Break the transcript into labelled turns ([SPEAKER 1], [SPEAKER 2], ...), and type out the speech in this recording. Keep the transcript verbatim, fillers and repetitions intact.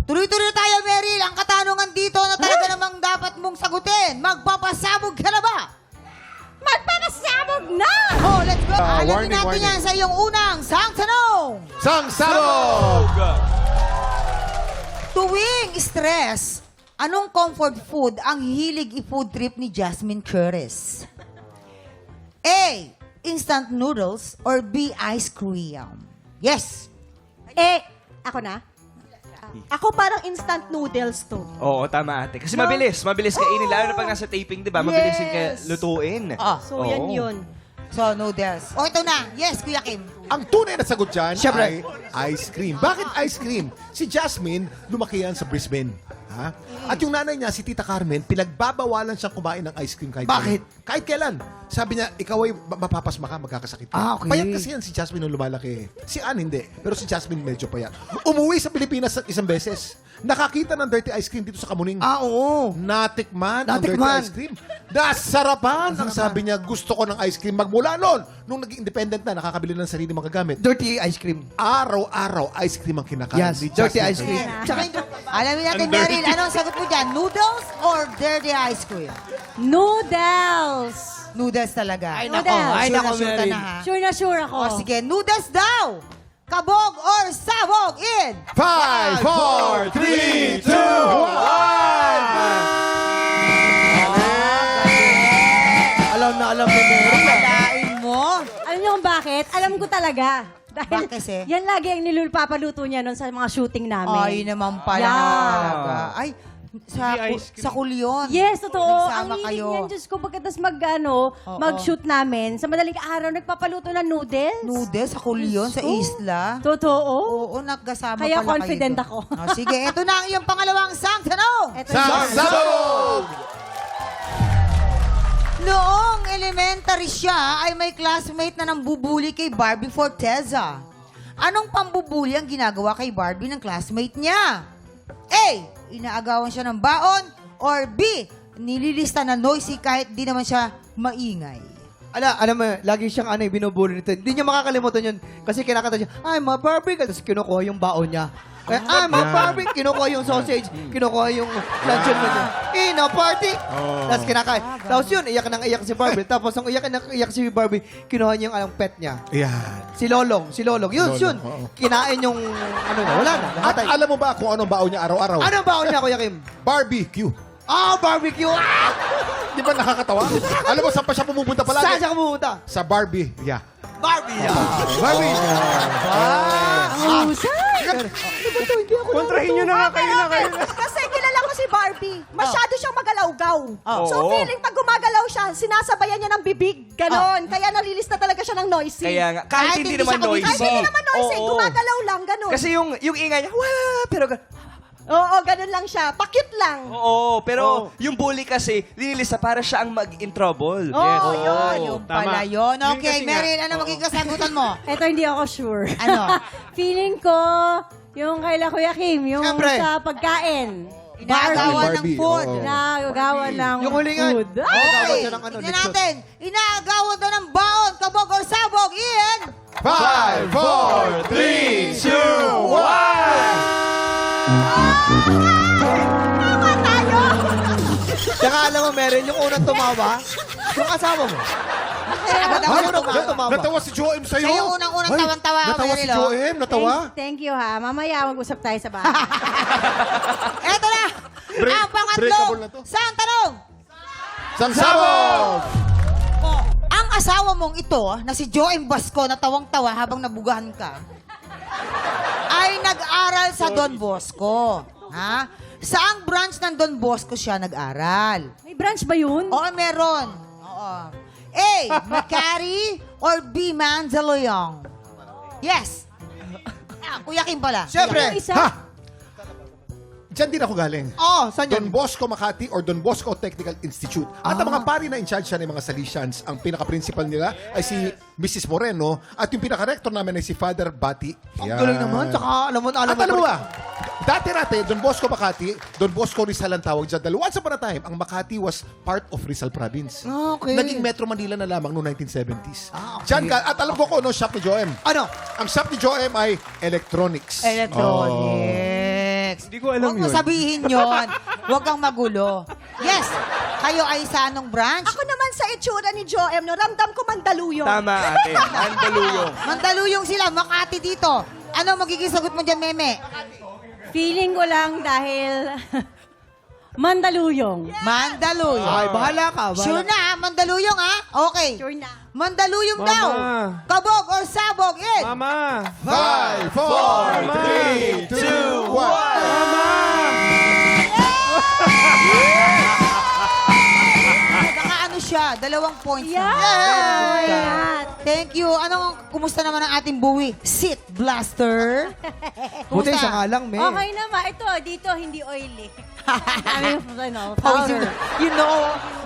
[SPEAKER 1] Tuloy-tuloy na tayo, Meryl. Ang katanungan dito na talaga namang dapat mong sagutin. Magpapasabog ka na ba?
[SPEAKER 2] Magpapasabog na!
[SPEAKER 1] Oh, let's go.
[SPEAKER 3] Ah,
[SPEAKER 1] Alamin
[SPEAKER 3] warning,
[SPEAKER 1] natin
[SPEAKER 3] warning.
[SPEAKER 1] yan sa iyong unang sang tanong.
[SPEAKER 3] Sang sabog!
[SPEAKER 1] Tuwing stress, anong comfort food ang hilig i-food trip ni Jasmine Curtis? A. Instant noodles or B. Ice cream? Yes.
[SPEAKER 2] Eh, ako na? Ako parang instant noodles to.
[SPEAKER 4] Oo, tama ate. Kasi
[SPEAKER 2] No.
[SPEAKER 4] mabilis. Mabilis kainin. Lalo na pag nasa taping, di ba? Mabilis yung
[SPEAKER 2] Yes.
[SPEAKER 4] ka- lutuin.
[SPEAKER 1] Ah,
[SPEAKER 2] So, yan
[SPEAKER 4] Oo.
[SPEAKER 2] yun.
[SPEAKER 1] so noodles. O, ito na. Yes, Kuya Kim.
[SPEAKER 3] Ang tunay na sagot dyan
[SPEAKER 4] Siyempre.
[SPEAKER 3] ay ice cream. Bakit ice cream? Si Jasmine, lumaki yan sa Brisbane. Ha? At yung nanay niya, si Tita Carmen, pinagbabawalan siyang kumain ng ice cream kahit
[SPEAKER 4] Bakit?
[SPEAKER 3] kailan. Kahit kailan. Sabi niya, ikaw ay ma- mapapasma ka, magkakasakit ka.
[SPEAKER 4] Ah, okay.
[SPEAKER 3] Payat kasi yan si Jasmine nung lumalaki. Si Ann hindi. Pero si Jasmine medyo payat. Umuwi sa Pilipinas isang beses. Nakakita ng dirty ice cream dito sa Kamuning.
[SPEAKER 4] Ah, oo.
[SPEAKER 3] Natikman ang dirty
[SPEAKER 4] Natikman.
[SPEAKER 3] ice cream. Nasarapan. Ang sabi niya, gusto ko ng ice cream magmula noon. Nung naging independent na, nakakabili ng sarili mga gamit.
[SPEAKER 5] Dirty ice cream.
[SPEAKER 3] Araw-araw, ice cream ang kinakain
[SPEAKER 5] Yes,
[SPEAKER 3] ni
[SPEAKER 5] dirty
[SPEAKER 3] Jasmine
[SPEAKER 5] ice cream.
[SPEAKER 3] Curtis.
[SPEAKER 1] Tsaka, alamin natin, Meryl, anong sagot mo dyan? Noodles or dirty ice cream?
[SPEAKER 2] Noodles!
[SPEAKER 1] Noodles talaga.
[SPEAKER 5] Ay,
[SPEAKER 2] nako.
[SPEAKER 5] Ay,
[SPEAKER 1] Sure na
[SPEAKER 5] nako,
[SPEAKER 1] sure ka
[SPEAKER 5] Meryl.
[SPEAKER 1] na, ha?
[SPEAKER 2] Sure na sure ako.
[SPEAKER 1] O, sige, noodles daw. Kabog or sabog in.
[SPEAKER 3] Five, four, three, two, one!
[SPEAKER 5] Alam na alam ni Mary.
[SPEAKER 1] Kalain mo.
[SPEAKER 2] Alam niyo kung bakit? Alam ko talaga. Dahil
[SPEAKER 1] Bakit kasi?
[SPEAKER 2] yan lagi ang nilulupapaluto niya noon sa mga shooting namin.
[SPEAKER 1] Ay, naman pala
[SPEAKER 2] Yeah.
[SPEAKER 1] naman talaga. Ay, sa, sa kulyon.
[SPEAKER 2] Yes, totoo.
[SPEAKER 1] Nagsama
[SPEAKER 2] Ang
[SPEAKER 1] kayo.
[SPEAKER 2] hilig niyan, Diyos ko, pagkatas mag, ano,
[SPEAKER 1] Oo.
[SPEAKER 2] mag-shoot namin, sa madaling araw, nagpapaluto ng noodles.
[SPEAKER 1] Noodles sa kulyon, sa
[SPEAKER 2] Diyos ko.
[SPEAKER 1] isla.
[SPEAKER 2] Totoo.
[SPEAKER 1] Oo, nagkasama
[SPEAKER 2] Kaya
[SPEAKER 1] pala
[SPEAKER 2] confident
[SPEAKER 1] kayo.
[SPEAKER 2] ako.
[SPEAKER 1] O, sige, ito na ang iyong pangalawang sang tanong.
[SPEAKER 2] Eto
[SPEAKER 3] Sang
[SPEAKER 2] yun.
[SPEAKER 3] sabog!
[SPEAKER 1] Noong elementary siya, ay may classmate na nang bubuli kay Barbie Forteza. Anong pambubuli ang ginagawa kay Barbie ng classmate niya? A. Inaagawan siya ng baon. Or B. Nililista na noisy kahit di naman siya maingay.
[SPEAKER 5] Ala, alam mo, lagi siyang ano, binubuli nito. Hindi niya makakalimutan yun. Kasi kinakanta siya, ay, mga Barbie. Tapos kinukuha yung baon niya. Kaya, ay, mga Barbie. Kinukuha yung sausage. Kinukuha yung luncheon mo niya. In a party. Tapos kinakain. Tapos yun, iyak nang iyak si Barbie. Tapos nung iyak nang iyak si Barbie, kinuha niya yung anong pet niya.
[SPEAKER 3] Yan.
[SPEAKER 5] Si Lolong. Si Lolong. Yun,
[SPEAKER 3] Lolong,
[SPEAKER 5] yun.
[SPEAKER 3] oo.
[SPEAKER 5] Kinain yung, ano niya. Wala na.
[SPEAKER 3] At
[SPEAKER 5] Namatay.
[SPEAKER 3] alam mo ba kung anong baon niya araw-araw?
[SPEAKER 5] Ano ang baon niya, Kuya Kim?
[SPEAKER 3] Barbecue.
[SPEAKER 5] Ah, barbecue! Ah!
[SPEAKER 3] Di ba nakakatawa? Alam mo, saan pa siya pumupunta palagi?
[SPEAKER 5] Saan siya kumupunta?
[SPEAKER 3] Sa Barbie. Yeah.
[SPEAKER 5] Barbie!
[SPEAKER 3] Barbie!
[SPEAKER 2] Ang husay!
[SPEAKER 4] Kontrahin nyo na nga kayo na kayo.
[SPEAKER 6] Kasi kilala ko si Barbie. Masyado siyang magalawgaw. So
[SPEAKER 4] Oo.
[SPEAKER 6] feeling pag gumagalaw siya, sinasabayan niya ng bibig. Ganon. Kaya nalilista talaga siya ng noisy.
[SPEAKER 4] Kaya nga, kahit,
[SPEAKER 1] Kahit
[SPEAKER 4] hindi
[SPEAKER 1] hindi
[SPEAKER 4] naman
[SPEAKER 1] siya
[SPEAKER 4] noisy.
[SPEAKER 6] Kahit hindi naman noisy,
[SPEAKER 4] Oo.
[SPEAKER 6] gumagalaw lang. Ganon.
[SPEAKER 4] Kasi yung, yung ingay niya, wah, pero, ga-
[SPEAKER 6] Oo, ganon lang siya. Pakit lang.
[SPEAKER 4] oo, pero yung bully kasi, linilista para siya ang mag-in trouble.
[SPEAKER 6] Oo, yun.
[SPEAKER 1] Yung pala yun. Okay,
[SPEAKER 4] Yun kasi nga.
[SPEAKER 1] Meryl, ano magiging kasagutan mo?
[SPEAKER 2] Eto, hindi ako sure.
[SPEAKER 1] Ano?
[SPEAKER 2] Feeling ko, yung kay La Kuya Kim, yung
[SPEAKER 5] Siyempre.
[SPEAKER 2] sa pagkain.
[SPEAKER 1] Inaagawan ng
[SPEAKER 3] Barbie,
[SPEAKER 1] food.
[SPEAKER 3] oo.
[SPEAKER 2] Inaagawan ng
[SPEAKER 5] Yung hulingan.
[SPEAKER 2] food. Ah!
[SPEAKER 5] Nagawa
[SPEAKER 1] Okay,
[SPEAKER 5] siya ng ano,
[SPEAKER 1] tignan
[SPEAKER 5] lechon.
[SPEAKER 1] natin. Inaagawan daw ng baon, kabog or sabog, Ian.
[SPEAKER 3] Five, four, three, two, one!
[SPEAKER 5] Tsaka alam mo, Meryl, yung unang tumawa, yung asawa mo.
[SPEAKER 1] Agad ako
[SPEAKER 5] Ay,
[SPEAKER 1] tumawa.
[SPEAKER 5] unang tumawa.
[SPEAKER 3] Natawa si Joem sa'yo.
[SPEAKER 1] Siya yung unang-unang
[SPEAKER 3] Ay,
[SPEAKER 1] tawan-tawa ako,
[SPEAKER 3] Natawa si
[SPEAKER 1] Meryl, oh.
[SPEAKER 3] Joem, natawa.
[SPEAKER 2] Thank, thank you ha. Mamaya mag-usap tayo sa bahay.
[SPEAKER 1] Eto na.
[SPEAKER 3] Break-
[SPEAKER 1] ang
[SPEAKER 3] breakable
[SPEAKER 1] pangatlo.
[SPEAKER 3] na to.
[SPEAKER 1] Saan tanong?
[SPEAKER 3] Sang sabog!
[SPEAKER 1] Oh, ang asawa mong ito, na si Joem Basco, na tawang-tawa habang nabugahan ka, ay nag-aral sa Don Bosco. Ha? Saang branch ng Don Bosco siya nag-aral?
[SPEAKER 2] May branch ba yun?
[SPEAKER 1] Oo, meron. Oo. A. Macari or B. Manzaloyong? Yes. Ah, Kuya Kim pala.
[SPEAKER 5] Siyempre.
[SPEAKER 2] Yung isa?
[SPEAKER 3] Ha? Diyan din ako galing.
[SPEAKER 5] Oo, saan
[SPEAKER 3] Don
[SPEAKER 5] yan?
[SPEAKER 3] Bosco Makati or Don Bosco Technical Institute. At ang mga pari na in charge siya ng mga salesians, ang pinaka-principal nila ay si Missus Moreno at yung pinaka-rector namin ay si Father Bati.
[SPEAKER 5] Ang galing naman. Tsaka, alam mo, alam
[SPEAKER 3] At alam mo ba, dati-rati, Don Bosco Makati, Don Bosco Rizal ang tawag dyan. Dahil once upon a time, ang Makati was part of Rizal Province.
[SPEAKER 5] Ah, okay.
[SPEAKER 3] Naging Metro Manila na lamang noong nineteen seventies.
[SPEAKER 5] Ah, okay.
[SPEAKER 3] Diyan ka, at alam ko kung ano shop ni Joem.
[SPEAKER 5] Ano?
[SPEAKER 3] Ang shop ni Joem ay electronics.
[SPEAKER 1] Electronics.
[SPEAKER 7] Hindi ko alam
[SPEAKER 1] Huwag mo
[SPEAKER 7] yun.
[SPEAKER 1] sabihin yon. Huwag kang magulo. Yes, kayo ay sa anong branch?
[SPEAKER 6] Ako naman sa itsura ni Joem, no, ramdam ko Mandaluyong.
[SPEAKER 4] Tama, ate. Mandaluyong.
[SPEAKER 1] Mandaluyong sila, Makati dito. Ano magiging sagot mo dyan, Meme?
[SPEAKER 8] Feeling ko lang dahil Mandaluyong.
[SPEAKER 1] Mandaluyong.
[SPEAKER 5] Ay, bahala ka. Bahala.
[SPEAKER 1] Sure na, ha? Mandaluyong, ha? Okay.
[SPEAKER 6] Sure na.
[SPEAKER 1] Mandaluyong
[SPEAKER 7] Mama.
[SPEAKER 1] daw. Kabog or sabog, in.
[SPEAKER 7] Mama!
[SPEAKER 3] Five, four, three, two, one.
[SPEAKER 1] Nakaano siya, dalawang points.
[SPEAKER 8] Yeah.
[SPEAKER 1] na.
[SPEAKER 8] Yeah.
[SPEAKER 1] Thank you. Anong, kumusta naman ang ating buwi? Sit Blaster.
[SPEAKER 5] Buti
[SPEAKER 1] Kumusta?
[SPEAKER 5] siya nga lang, me.
[SPEAKER 8] Okay naman. Ito, dito, hindi oily. Kami, ano,
[SPEAKER 1] Powder.
[SPEAKER 8] powder.
[SPEAKER 1] You know,